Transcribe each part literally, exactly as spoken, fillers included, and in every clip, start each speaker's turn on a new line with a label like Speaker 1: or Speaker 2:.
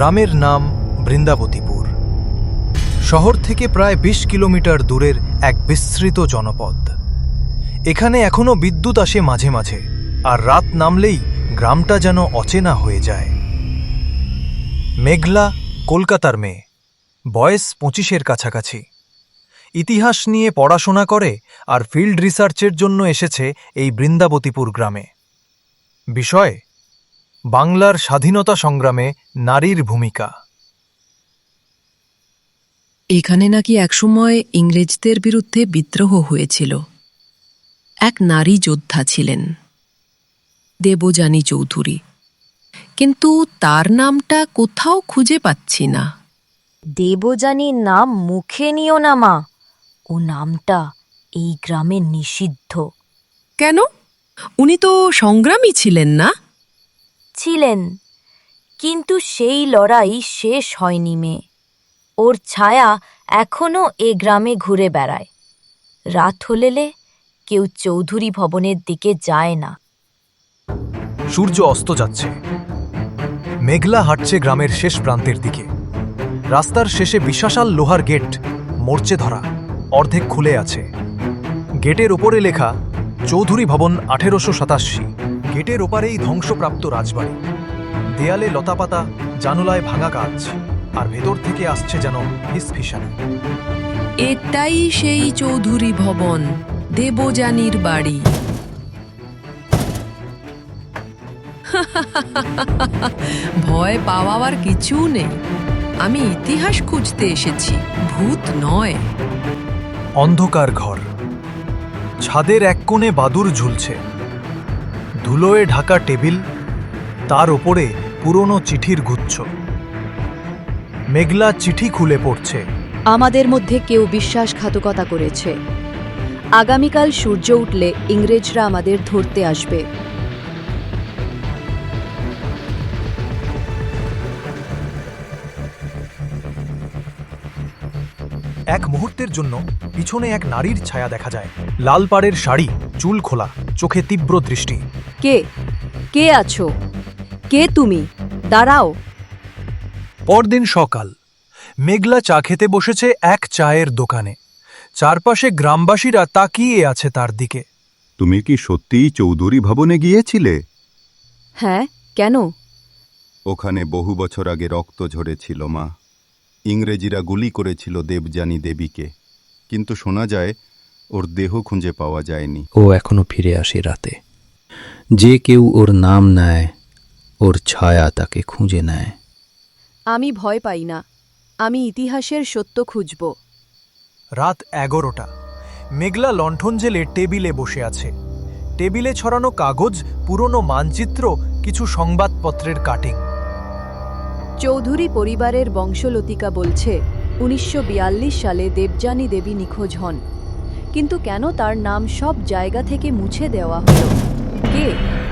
Speaker 1: গ্রামের নাম বৃন্দাবতীপুর। শহর থেকে প্রায় বিশ কিলোমিটার দূরের এক বিস্তৃত জনপদ। এখানে এখনো বিদ্যুৎ আসে মাঝে মাঝে, আর রাত নামলেই গ্রামটা যেন অচেনা হয়ে যায়। মেঘলা কলকাতার মেয়ে, বয়স পঁচিশের কাছাকাছি। ইতিহাস নিয়ে পড়াশোনা করে আর ফিল্ড রিসার্চের জন্য এসেছে এই বৃন্দাবতীপুর গ্রামে। বিষয় বাংলার স্বাধীনতা সংগ্রামে নারীর ভূমিকা।
Speaker 2: এখানে নাকি একসময় ইংরেজদের বিরুদ্ধে বিদ্রোহ হয়েছিল। এক নারী যোদ্ধা ছিলেন, দেবযানী চৌধুরী, কিন্তু তার নামটা কোথাও খুঁজে পাচ্ছি না।
Speaker 3: দেবযানীর নাম মুখে নিও না মা, ও নামটা এই গ্রামে নিষিদ্ধ।
Speaker 2: কেন? উনি তো সংগ্রামী ছিলেন না?
Speaker 3: ছিলেন, কিন্তু সেই লড়াই শেষ হয়নি মেয়ে। ওর ছায়া এখনো এ গ্রামে ঘুরে বেড়ায়। রাত হলেলে কেউ চৌধুরী ভবনের দিকে যায় না।
Speaker 1: সূর্য অস্ত যাচ্ছে। মেঘলা হাঁটছে গ্রামের শেষ প্রান্তের দিকে। রাস্তার শেষে বিশাল লোহার গেট মরচে ধরা, অর্ধেক খুলে আছে। গেটের ওপরে লেখা চৌধুরী ভবন আঠেরোশো সাতাশি। গেটের ওপারেই ধ্বংসপ্রাপ্ত রাজবাড়ি। দেয়ালে লতাপাতা, জানুলায় ভাঙা গাছ, আর ভেতর থেকে আসছে যেন ফিসফিসানি।
Speaker 2: এটাই সেই চৌধুরী ভবন, দেবযানীর বাড়ি। ভয় পাওয়ার কিছু নেই। আমি ইতিহাস খুঁজতে এসেছি, ভূত নয়।
Speaker 1: অন্ধকার ঘর, ছাদের এক কোণে বাদুর ঝুলছে। ধুলোয় ঢাকা টেবিল, তার ওপরে পুরনো চিঠির গুচ্ছ। মেঘলা চিঠি খুলে পড়ছে।
Speaker 4: আমাদের মধ্যে কেউ বিশ্বাসঘাতকতা করেছে। আগামীকাল সূর্য উঠলে ইংরেজরা আমাদের ধরতে আসবে।
Speaker 1: এক মুহূর্তের জন্য পিছনে এক নারীর ছায়া দেখা যায়। লাল পাড়ের শাড়ি, চুল খোলা, চোখে তীব্র দৃষ্টি।
Speaker 4: কে কে আছো? কে তুমি? দাঁড়াও।
Speaker 1: পরদিন সকাল, মেঘলা চা খেতে বসেছে এক চায়ের দোকানে। চারপাশে গ্রামবাসীরা তাকিয়ে আছে তার দিকে।
Speaker 5: তুমি কি সত্যিই চৌধুরী ভবনে গিয়েছিলে?
Speaker 4: হ্যাঁ, কেন?
Speaker 5: ওখানে বহু বছর আগে রক্ত ঝরেছিল মা। ইংরেজিরা গুলি করেছিল দেবযানী দেবীকে, কিন্তু শোনা যায় ওর দেহ খুঁজে পাওয়া যায়নি।
Speaker 6: ও এখনো ফিরে আসে রাতে। যে কেউ ওর নাম নেয়, ওর ছায়া তাকে খুঁজে নেয়।
Speaker 4: আমি ভয় পাই না, আমি ইতিহাসের সত্য খুঁজব।
Speaker 1: রাত এগারোটা। মেঘলা লণ্ঠন জেলে টেবিলে বসে আছে। টেবিলে ছড়ানো কাগজ, পুরনো মানচিত্র, কিছু সংবাদপত্রের কাটিং।
Speaker 4: চৌধুরী পরিবারের বংশলতিকা বলছে উনিশশো বিয়াল্লিশ সালে দেবযানী দেবী নিখোঁজ হন, কিন্তু কেন তার নাম সব জায়গা থেকে মুছে দেওয়া হলো? কে?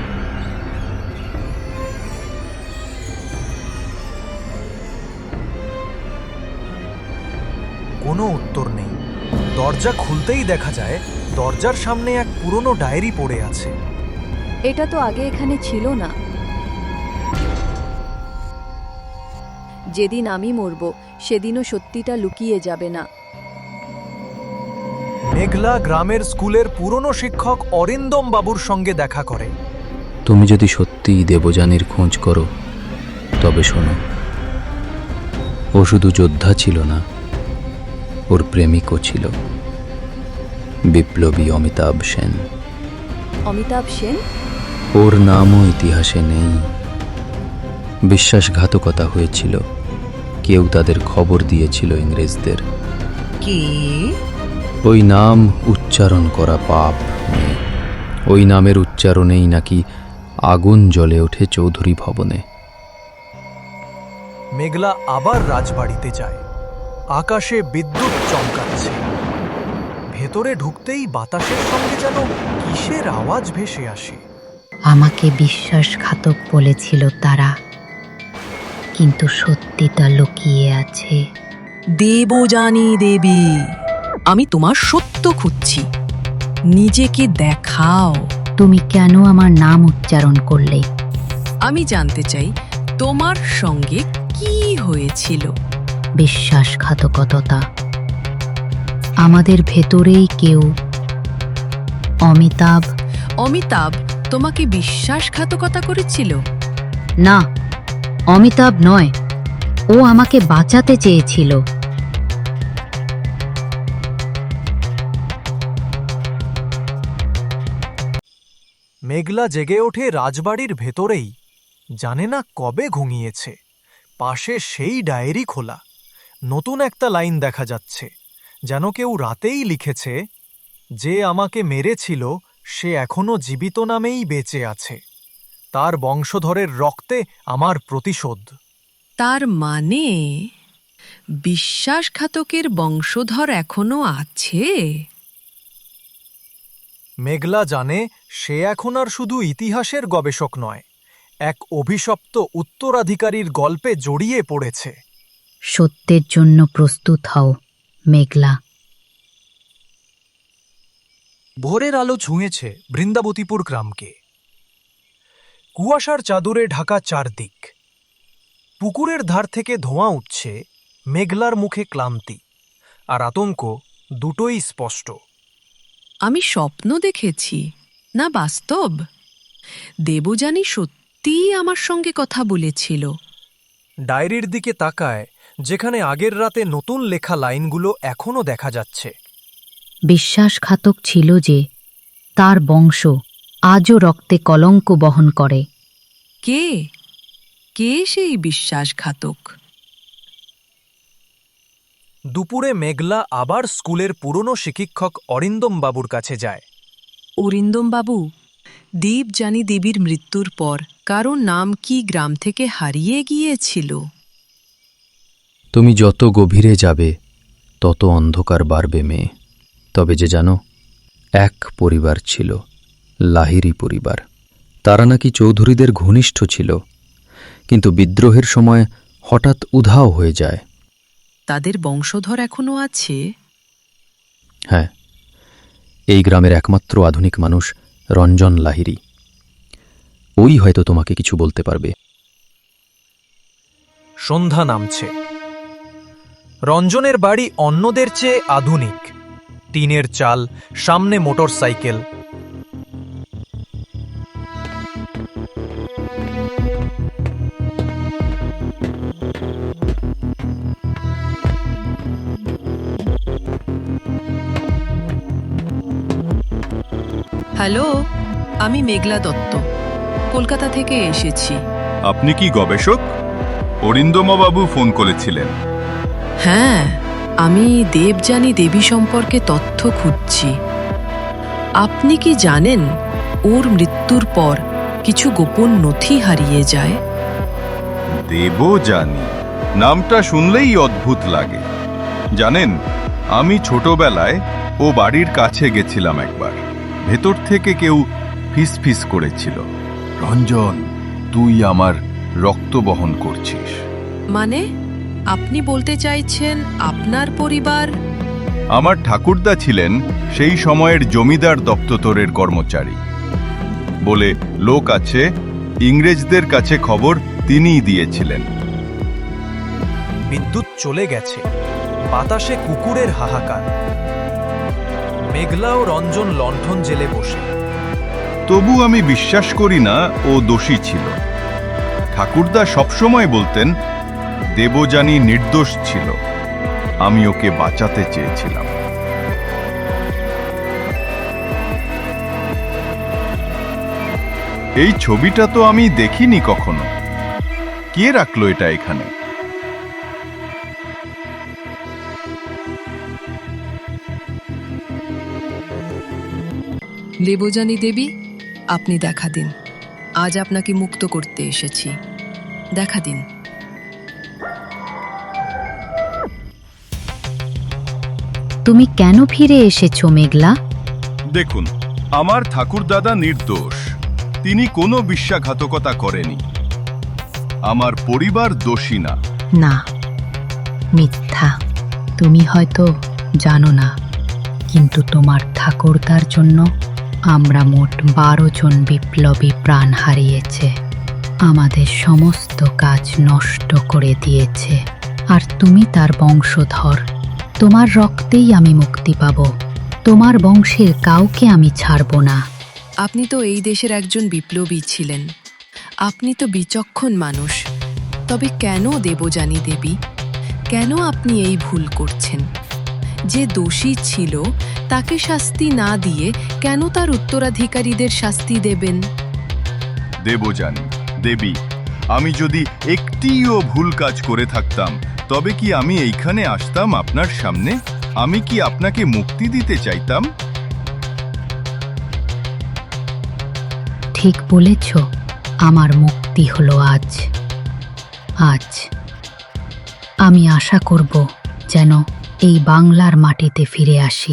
Speaker 1: কোনো উত্তর নেই। দরজা খুলতেই দেখা যায় দরজার সামনে এক পুরনো ডায়েরি পড়ে আছে।
Speaker 4: এটা তো আগে এখানে ছিল না। যেদিন আমি মরব সেদিনও সত্যিটা লুকিয়ে যাবে না।
Speaker 1: মেঘলা গ্রামের স্কুলের পুরনো শিক্ষক অরিন্দম বাবুর সঙ্গে দেখা করে।
Speaker 6: তুমি যদি সত্যিই দেবযানীর খোঁজ করো, তবে শোনো, ও শুধু যোদ্ধা ছিল না, ওর প্রেমিকও ছিল, বিপ্লবী অমিতাভ সেন।
Speaker 4: অমিতাভ সেন?
Speaker 6: ওর নামও ইতিহাসে নেই। বিশ্বাসঘাতকতা হয়েছিল, কেউ তাদের খবর দিয়েছিল ইংরেজদের।
Speaker 2: কি?
Speaker 6: ওই নাম উচ্চারণ করা পাপ। ওই নামের উচ্চারণেই নাকি আগুন জ্বলে ওঠে চৌধুরী ভবনে।
Speaker 1: মেঘলা আবার রাজবাড়িতে যায়। আকাশে বিদ্যুৎ চমকাচ্ছে। ভেতরে ঢুকতেই বাতাসের সঙ্গে যেন কিসের আওয়াজ ভেসে আসে।
Speaker 7: আমাকে বিশ্বাসঘাতক বলেছিল তারা, কিন্তু সত্যিটা লুকিয়ে আছে।
Speaker 2: দেবযানী দেবী, আমি তোমার সত্য খুঁজছি, নিজেকে দেখাও।
Speaker 7: তুমি কেন আমার নাম উচ্চারণ করলে?
Speaker 2: আমি জানতে চাই তোমার সঙ্গে কি হয়েছিল?
Speaker 7: বিশ্বাসঘাতকতা। আমাদের ভেতরেই কেউ, অমিতাভ।
Speaker 2: অমিতাভ তোমাকে বিশ্বাসঘাতকতা করেছিল?
Speaker 7: না, অমিতাভ নয়, ও আমাকে বাঁচাতে চেয়েছিল।
Speaker 1: মেঘলা জেগে ওঠে রাজবাড়ির ভেতরেই, জানে না কবে ঘুমিয়েছে। পাশে সেই ডায়েরি খোলা, নতুন একটা লাইন দেখা যাচ্ছে, যেন কেউ রাতেই লিখেছে, যে আমাকে মেরেছিল সে এখনো জীবিত নামেই বেঁচে আছে, তার বংশধরের রক্তে আমার প্রতিশোধ।
Speaker 2: তার মানে বিশ্বাসঘাতকের বংশধর এখনো আছে?
Speaker 1: মেঘলা জানে সে এখন আর শুধু ইতিহাসের গবেষক নয়, এক অভিশপ্ত উত্তরাধিকারীর গল্পে জড়িয়ে পড়েছে।
Speaker 7: সত্যের জন্য প্রস্তুত হও, মেঘলা।
Speaker 1: ভোরের আলো ছুঁয়েছে বৃন্দাবতীপুর গ্রামকে। কুয়াশার চাদরে ঢাকা চারদিক। পুকুরের ধার থেকে ধোঁয়া উঠছে, মেঘলার মুখে ক্লান্তি আর আতঙ্ক দুটোই স্পষ্ট।
Speaker 2: আমি স্বপ্ন দেখেছি না বাস্তব? দেবযানী সত্যিই আমার সঙ্গে কথা বলেছিল।
Speaker 1: ডায়েরির দিকে তাকায়, যেখানে আগের রাতে নতুন লেখা লাইনগুলো এখনও দেখা যাচ্ছে।
Speaker 7: বিশ্বাসঘাতক ছিল যে, তার বংশ আজও রক্তে কলঙ্ক বহন করে।
Speaker 2: কে কে সেই বিশ্বাসঘাতক?
Speaker 1: দুপুরে মেঘলা আবার স্কুলের পুরনো শিক্ষক অরিন্দম বাবুর কাছে যায়।
Speaker 2: অরিন্দম বাবু, দেবযানী দেবীর মৃত্যুর পর কারো নাম কি গ্রাম থেকে হারিয়ে গিয়েছিল?
Speaker 6: তুমি যত গভীরে যাবে তত অন্ধকার বাড়বে মেয়ে। তবে যে জানো, এক পরিবার ছিল, লাহিড়ী পরিবার। তারা নাকি চৌধুরীদের ঘনিষ্ঠ ছিল, কিন্তু বিদ্রোহের সময় হঠাৎ উধাও হয়ে যায়।
Speaker 2: তাদের বংশধর এখনো আছে?
Speaker 6: হ্যাঁ, এই গ্রামের একমাত্র আধুনিক মানুষ রঞ্জন লাহিড়ী। ওই হয়তো তোমাকে কিছু বলতে পারবে।
Speaker 1: সন্ধ্যা নামছে। রঞ্জনের বাড়ি অন্যদের চেয়ে আধুনিক। টিনের চাল, সামনে মোটর সাইকেল।
Speaker 2: হ্যালো, আমি মেঘলা দত্ত, কলকাতা থেকে এসেছি।
Speaker 5: আপনি কি গবেষক? অরিন্দমবাবু ফোন করেছিলেন।
Speaker 2: হ্যাঁ, আমি দেবযানী দেবী সম্পর্কে তথ্য খুঁজছি। আপনি কি জানেন ওর মৃত্যুর পর কিছু গোপন নথি হারিয়ে যায়?
Speaker 5: দেবযানী নামটা শুনলেই অদ্ভুত লাগে। জানেন, আমি ছোটবেলায় ও বাড়ির কাছে গেছিলাম একবার। ভেতর থেকে কেউ ফিস ফিস করেছিল, রঞ্জন, তুই আমার রক্ত বহন করছিস।
Speaker 2: মানে আপনি বলতে চাইছেন আপনার পরিবার?
Speaker 5: আমার ঠাকুরদা ছিলেন সেই সময়ের জমিদার দপ্তরের কর্মচারী। বলে লোক আছে, ইংরেজদের কাছে খবর তিনিই দিয়েছিলেন।
Speaker 1: বিদ্যুৎ চলে গেছে, বাতাসে কুকুরের হাহাকার। মেঘলা ও রঞ্জন লণ্ঠন জেলে বসে।
Speaker 5: তবু আমি বিশ্বাস করি না ও দোষী ছিল। ঠাকুরদা সবসময় বলতেন দেবযানী নির্দোষ ছিল, আমি ওকে বাঁচাতে চেয়েছিলাম। এই ছবিটা তো আমি দেখিনি কখনো। কে রাখলো এটা এখানে?
Speaker 2: দেবযানী দেবী, আপনি দেখা দিন। আজ আপনাকে মুক্ত করতে এসেছি, দেখা দিন।
Speaker 7: তুমি কেন ফিরে এসেছো মেঘলা?
Speaker 5: দেখুন, আমার ঠাকুরদাদা নির্দোষ। তিনি কোনো বিশ্বাসঘাতকতা করেনি। আমার পরিবার দোষী না।
Speaker 7: না, মিথ্যা। তুমি হয়তো জানো না, কিন্তু তোমার ঠাকুরদার জন্য আমরা মোট বারো জন বিপ্লবী প্রাণ হারিয়েছে। আমাদের সমস্ত কাজ নষ্ট করে দিয়েছে, আর তুমি তার বংশধর। তোমার রক্তেই আমি মুক্তি পাব। তোমার বংশের কাউকে আমি ছাড়ব না।
Speaker 2: আপনি তো এই দেশের একজন বিপ্লবী ছিলেন। আপনি তো বিচক্ষণ মানুষ। তবে কেন দেবযানী দেবী, কেন আপনি এই ভুল করছেন? যে দোষী ছিল তাকে শাস্তি না দিয়ে কেন তার উত্তরাধিকারীদের শাস্তি দেবেন?
Speaker 5: দেবযানী দেবী, আমি যদি একটিও ভুল কাজ করে থাকতাম তবে কি আমি এইখানে আসতাম আপনার সামনে? আমি কি আপনাকে মুক্তি দিতে চাইতাম?
Speaker 7: ঠিক বলেছ, আমার মুক্তি হলো আজ। আজ আমি আশা করব যেন এই বাংলার মাটিতে ফিরে আসি।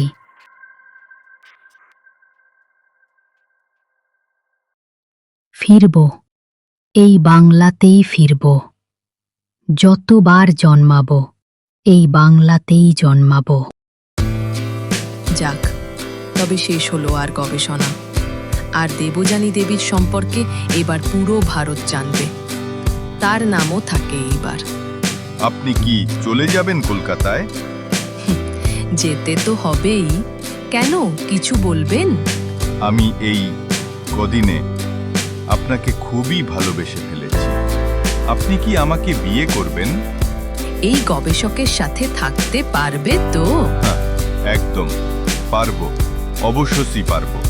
Speaker 7: ফিরব, এই বাংলাতেই ফিরব। যতবার জন্মাবো এই বাংলাতেই জন্মাবো।
Speaker 2: যাক, তবে শেষ হলো আর গবেষণা। আর দেবযানী দেবীর সম্পর্কে এবার পুরো ভারত জানবে। তার নামও থাকে এইবার।
Speaker 5: আপনি কি চলে যাবেন কলকাতায়?
Speaker 2: যেতে তো হবেই। কেন, কিছু বলবেন?
Speaker 5: আমি এই কদিনে আপনাকে খুবই ভালোবেসে ফেলেছি। আপনি কি আমাকে বিয়ে করবেন?
Speaker 2: এই গবেষকের সাথে থাকতে পারবে তো?
Speaker 5: হ্যাঁ, একদম পারবো, অবশ্যই পারবো।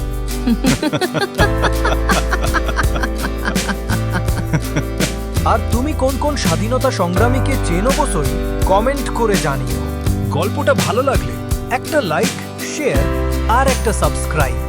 Speaker 1: আর তুমি কোন কোন স্বাধীনতা সংগ্রামীকে চেনো বসই কমেন্ট করে জানিও। গল্পটা ভালো লাগলে একটা লাইক, শেয়ার আর একটা সাবস্ক্রাইব।